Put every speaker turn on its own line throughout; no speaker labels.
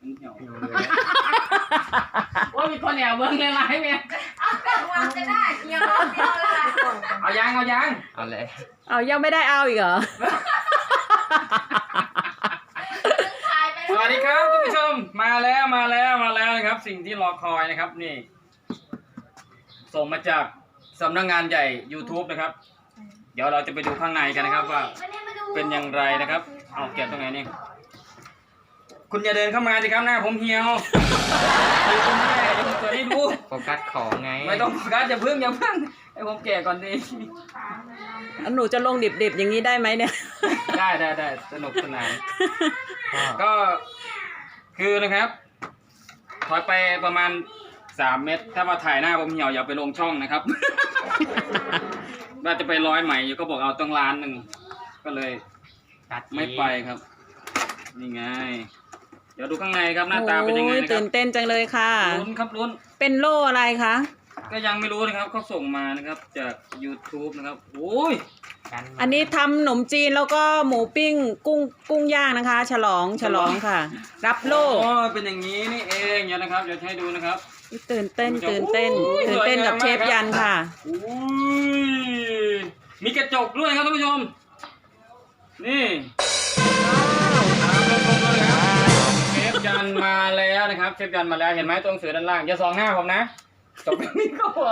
เหี่ยวว่ามีคนแอบเบิ้งเลยไรเมีย
เอาแต่วางจะได้เหี่ยวเดียวละ
เอายังเอาเลย
เอายังไม่ได้เอาอีกเหรอ
สวัสดีครับท่านผู้ชมมาแล้วนะครับ สิ่งที่รอคอยนะครับนี่ ส่งมาจากสำนักงานใหญ่ YouTube นะครับ เดี๋ยวเราจะไปดูข้างในกันนะครับว่าเป็นอย่างไรนะครับเอาเก็บตรงไหนนี่คุณอย่าเดินเข้ามาสิครับหน้าผมเหี่ยวคือคุณแม่จะเปิดให้ดู
โฟกัสของไง
ไม่ต้องโฟกัสอย่าเพิ่งให้ผมแก่ก่อนดิ
หนูจะลงดิบๆอย่างนี้ได้ไหมเนี่ย
ได้สนุกสนานก็คือนะครับถอยไปประมาณ3 เมตรถ้ามาถ่ายหน้าผมเหี่ยวอย่าไปลงช่องนะครับ ว่าจะไปร้อยใหม่อยู่ก็บอกเอาต้อง1,000,000ก็เลยไม่ไปครับนี่ไงเดี๋ยวดูข้างในครับหน้าตาเป็นยังไงนะครับ
ตื่นเต้นจังเลยค่ะ
ลุ้น
เป็นโล่อะไรคะ
ก็ยังไม่รู้นะครับเขาส่งมานะครับจาก YouTube นะครับโอ้ย
อันนี้ทำขนมจีนแล้วก็หมูปิ้งกุ้งย่างนะคะ ฉลองค่ะ รับโล่
อ๋อเป็นอย่างนี้นี่เองเดี๋ยวนะครับเดี๋ยวให้ดูนะครับ
ตื่นเต้นกับเชฟยันค่ะ
อุ้ยมีกระจกด้วยครับท่านผู้ชมนี่เชฟยันมาแล้วนะครับเชฟยันมาแล้วเห็นไหมตัวหนังสือด้านล่างอย่าส่องหน้าผมนะจบแบบนี้ก็หัว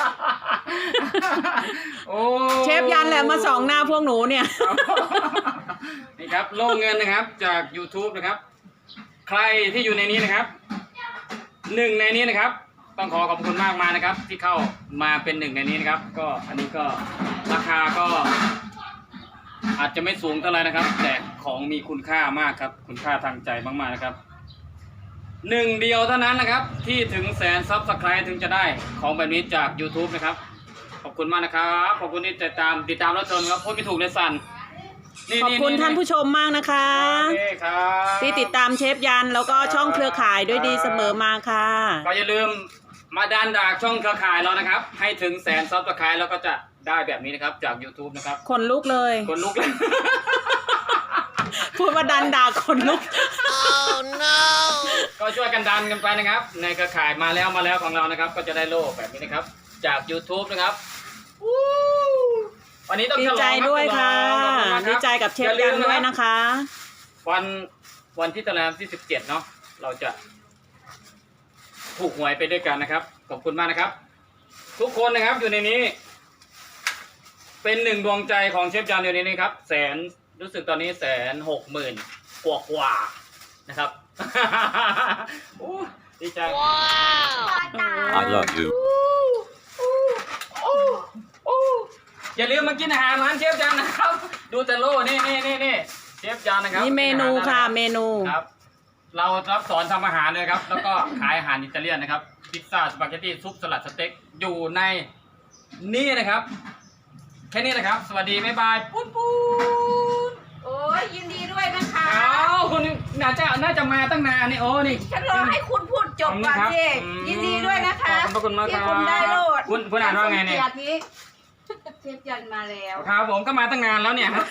โอ้
เชฟยันแหละมาส่องหน้าพวกหนูเนี่ย
นี่ครับโล่เงินนะครับจาก YouTube นะครับใครที่อยู่ในนี้นะครับ1 ในนี้นะครับต้องขอบคุณมากนะครับที่เข้ามาเป็น1 ในนี้นะครับก็อันนี้ก็ราคาก็อาจจะไม่สูงเท่าไหร่นะครับแต่ของมีคุณค่ามากครับคุณค่าทางใจมากๆนะครับ1 เดียวเท่านั้นนะครับที่ถึง100,000 Subscribe ถึงจะได้ของแบบนี้จาก YouTube นะครับขอบคุณมากนะครับขอบคุณที่ติดตามรับชมครับพูดไม่ถูกเลยสั่น
ขอบคุณท่านผู้ชมมากนะคะที่ติดตามเชฟยันแล้วก็ช่องเครือข่ายด้วยดีเสมอมาค่ะ
ก็อย่าลืมมาดันดากช่องเครือข่ายเรานะครับให้ถึง100,000 Subscribe แล้วก็จะได้แบบนี้นะครับจาก YouTube นะครับ
คนลุกเลย
คนลุกเลย
พูดว่าดันดาคนลุก
ก็ช่วยกันดันกันไปนะครับในเครือข่ายมาแล้วของเรานะครับก็จะได้โล่แบบนี้นะครับจาก YouTube นะครับวันนี้ต้อง
ดีใจด้วยค่ะดีใจกับเชฟยันด้วยนะคะ
วันที่ตารางที่17เนาะเราจะถูกหวยไปด้วยกันนะครับขอบคุณมากนะครับทุกคนนะครับอยู่ในนี้เป็น1 ดวงใจของเชฟยันอยู่ในนี้ครับรู้สึกตอนนี้160,000 กว่านะครับดีใจ
I love you
อย่าลืมมากินอาหารร้านเชฟยันนะครับดูแต่โล่นี่เชฟยันนะครับ
นี่เมนูค่ะเมนู
ครับเรารับสอนทำอาหารเลยครับแล้วก็ขายอาหารอิตาเลียนนะครับพิซซ่าสปาเกตตี้ซุปสลัดสเต็กอยู่ในนี่นะครับแค่นี้นะครับสวัสดีบ๊ายบายปุ้น
โอ้ยยินดีด้วยนะคะ
คุณน่าจะมาตั้งนานนี่โอ้นี่
ฉันรอให้คุณพูดจบก่อนสิยินดีด้วยนะคะ
ขอบคุณมากครับ
ที่คุณได้โลด
คุณอ่านว่าไงเนี่ย
เชฟยันมาแล้ว
ครับผมก็มาตั้งนานแล้วเนี่ย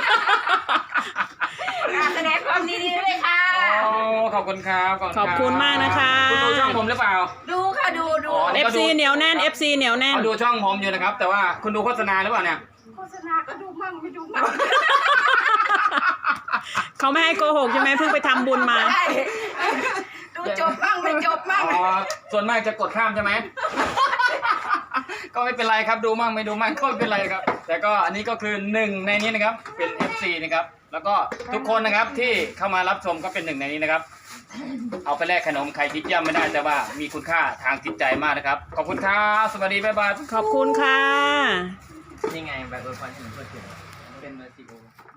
แสดงความดีด้วยค่ะ
ขอบคุณครับ
ขอบคุณมากนะคะ
คุณดูช่องผมหรือเปล่า
ดูค่ะดู
FC เหนียวแน่น FC เหนียวแน่น
เขาดูช่องผมอยู่นะครับแต่ว่าคุณดูโฆษณาหรือเปล่าเนี่ย
โฆษณาก็ดูมั่งไม่ดูมั่ง
เขาไม่ให้โกหกใช่ไหมเพิ่งไปทำบุญมา
ดูจบมั่งไม่จบมั่ง
ส่วนมากจะกดข้ามใช่ไหมก็ไม่เป็นไรครับดูมั่งไม่ดูมั่งก็ไม่เป็นไรครับแต่ก็อันนี้ก็คือ1 ในนี้นะครับเป็น FC นะครับแล้วก็ทุกคนนะครับที่เข้ามารับชมก็เป็น1 ในนี้นะครับเอาไปแลกขนมใครคิดย่ำไม่ได้แต่ว่ามีคุณค่าทางจิตใจมากนะครับขอบคุณครับสวัสดีบ๊ายบาย
ขอบคุณค่ะ
นี่ไงแบบพรให้หนูเพื่อนเป็นเมอร์ซิโอ